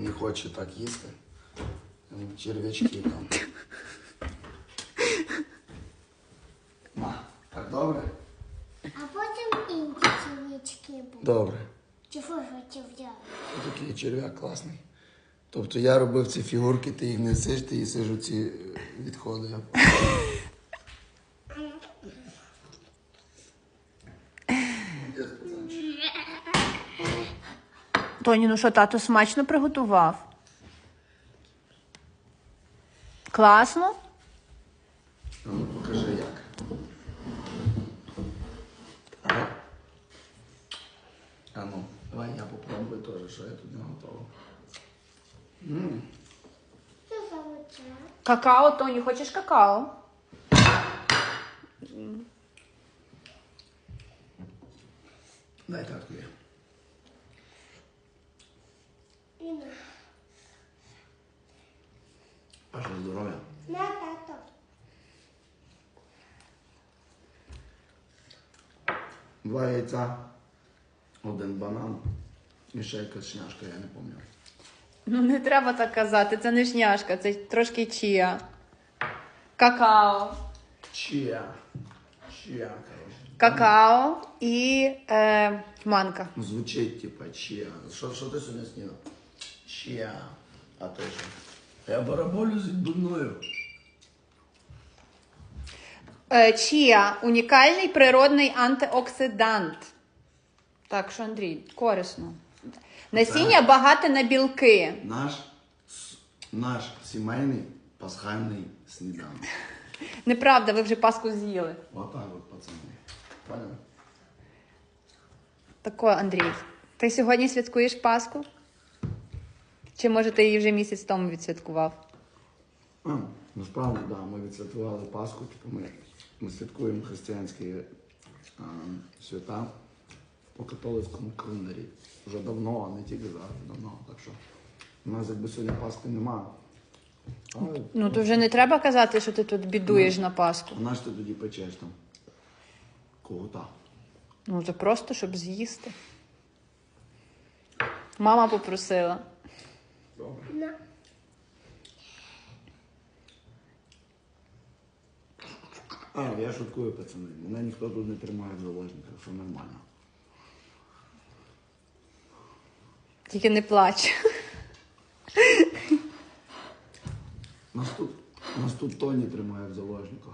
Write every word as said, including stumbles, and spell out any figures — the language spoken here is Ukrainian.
не хоче так їсти. Черв'ячки там. Ма, так добре? А потім інші червячки будуть. Добре. Чого ж хотів взяти? Такий черв'як класний. Тобто я робив ці фігурки, ти їх не сиш, ти їсиш оці відходи. Тоні, ну що, тато смачно приготував? Класно? А ну покажи як. А, а ну, давай я попробую теж, що я тут не готовий. М. Що за оце? Какао, Тоні, хочеш какао? Дай таткові. Іна. Ваше здоров'я. На, тато. Два яйця, один банан і ще якась шняшка, я не пам'ятаю. Ну не треба так казати, це не шняшка, це трошки чія. Какао. Чия. Чия, коротше. Какао і е, манка. Звучить, типа, чия. Що, що ти сьогодні снідав? Чия. А ти що? Я бараболю з відбивною. Е, чія – унікальний природний антиоксидант. Так що, Андрій, корисно. Насіння багате на білки. Наш, с- наш сімейний пасхальний сніданок. Неправда, ви вже паску з'їли. Отак от, пацани. Поняли? Тако, Андрій, ти сьогодні святкуєш Пасху? Чи, може, ти її вже місяць тому відсвяткував? А, насправді, так, да, ми відсвяткували Пасху, типу ми, ми святкуємо християнські а, свята по католицькому календарі. Вже давно, а не тільки зараз, давно. Так що у нас якби сьогодні Пасхи немає. Але Ну, то вже не треба казати, що ти тут бідуєш на Пасху. а наш ти тоді печеш там когота. Ну, це просто, щоб з'їсти. Мама попросила. Добре. На. А, я шуткую, пацани. Мене ніхто тут не тримає в заложниках, все нормально. Тільки не плач. Нас тут, нас тут Тоні тримає в заложниках.